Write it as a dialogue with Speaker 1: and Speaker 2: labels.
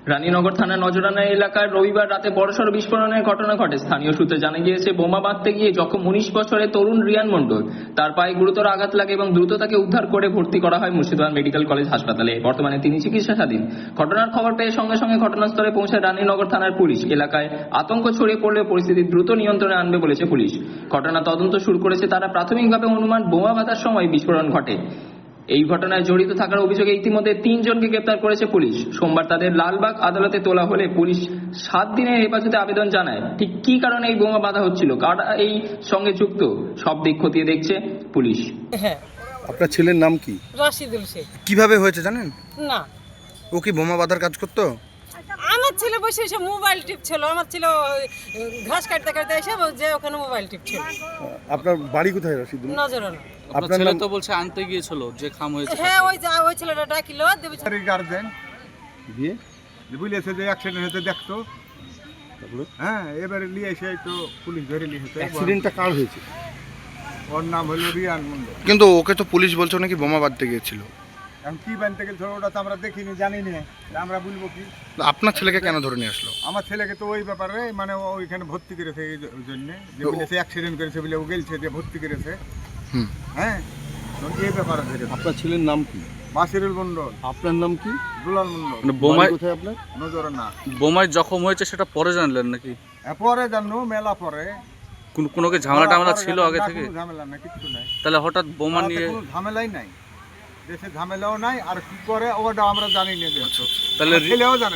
Speaker 1: রানীনগর থানার নজরানা এলাকার রবিবার রাতে বড়সড় বিস্ফোরণের ঘটনা ঘটে। স্থানীয় সূত্রে জানা গিয়েছে, বোমা বাঁধতে গিয়ে জখম 19 বছরের তরুণ রিয়ান মণ্ডল। তার পায়ে গুরুতর আঘাত লাগে এবং দ্রুত তাকে উদ্ধার করে ভর্তি করা হয় মুর্শিদাবাদ মেডিকেল কলেজ হাসপাতালে। বর্তমানে তিনি চিকিৎসাধীন। ঘটনার খবর পেয়ে সঙ্গে সঙ্গে ঘটনাস্থলে পৌঁছায় রানীনগর থানার পুলিশ। এলাকায় আতঙ্ক ছড়িয়ে পড়লে পরিস্থিতি দ্রুত নিয়ন্ত্রণে আনবে বলেছে পুলিশ। ঘটনা তদন্ত শুরু করেছে তারা। প্রাথমিকভাবে অনুমান, বোমা বাঁধার সময় বিস্ফোরণ ঘটে। এই ঘটনায় জড়িত থাকার অভিযোগে ইতিমধ্যে 3 জনকে গ্রেপ্তার করেছে পুলিশ। সোমবার তাদের লালবাগ আদালতে তোলা হলে পুলিশ 7 দিনের হেফাজতে আবেদন জানায়। ঠিক কি কারণে এই বোমা বাঁধা হচ্ছিল, কারা এই সঙ্গে যুক্ত, সব দিক খতিয়ে দেখছে পুলিশ।
Speaker 2: হ্যাঁ,
Speaker 3: আপনার ছেলের নাম কি?
Speaker 2: রাশিদুল শেখ।
Speaker 3: কিভাবে হয়েছে জানেন?
Speaker 2: না,
Speaker 3: ও কি বোমা বাঁধার কাজ করতো?
Speaker 2: আমার ছেলে বসে এসে মোবাইল টিপছিল। আমার ছেলে ঘাস কাটতে কাটতে এসে যে ওখানে মোবাইল টিপছিল।
Speaker 3: আপনার বাড়ি কোথায় রাশিদুল?
Speaker 2: নজরানা।
Speaker 4: আপনার ছেলে তো বলছে আনতে গিয়েছিল যে খাম হয়েছে।
Speaker 2: হ্যাঁ, ওই ছেলেটা ডাকিল দেবে।
Speaker 5: গার্জেন
Speaker 3: দিয়ে
Speaker 5: বুঝেছে যে অ্যাক্সিডেন্ট হতে দেখতো। হ্যাঁ, এবারে নিয়ে এসে তো পুলিশ ধরে নিয়ে এসেছে।
Speaker 3: অ্যাক্সিডেন্টটা কার হয়েছে?
Speaker 5: ওর নাম হলো রিয়ান মন্ডল।
Speaker 3: কিন্তু ওকে তো পুলিশ বলছে নাকি বোমা বাঁধতে গিয়েছিল।
Speaker 5: এখন কি বানতে গেছিল ওটা তো আমরা দেখিনি, জানি না, আমরা বলবো কি।
Speaker 3: আপনার ছেলেকে কেন ধরে নিয়ে আসলো?
Speaker 5: আমার ছেলেকে তো ওই ব্যাপারে মানে ও ওইখানে ভর্তি করেছে এই জন্য, যে বলেছে অ্যাক্সিডেন্ট করেছে বলে ও গেলছে যে ভর্তি করেছে। হ্যাঁ, তো এই ব্যাপারে ধরে।
Speaker 3: আপনার ছেলের নাম কি?
Speaker 5: বাসিরুল মন্ডল।
Speaker 3: আপনার নাম কি?
Speaker 5: দুলাল মন্ডল।
Speaker 4: মানে বোমায়
Speaker 3: কোথায় আপনার?
Speaker 5: নজরানা।
Speaker 4: বোমায় জখম হয়েছে সেটা পরে জানলেন নাকি?
Speaker 5: পরে জানো, মেলা পরে।
Speaker 4: কোনো কি ঝামেলা টামেলা ছিল আগে থেকে?
Speaker 5: ঝামেলা না, কিছু নাই।
Speaker 4: তাহলে হঠাৎ বোমা নিয়ে
Speaker 5: কোনো ঝামেলাই নাই, দেশে ঝামেলাও নাই। আর কি করে ওটা আমরা জানি না।
Speaker 4: তাহলে
Speaker 5: ছেলেও জানে।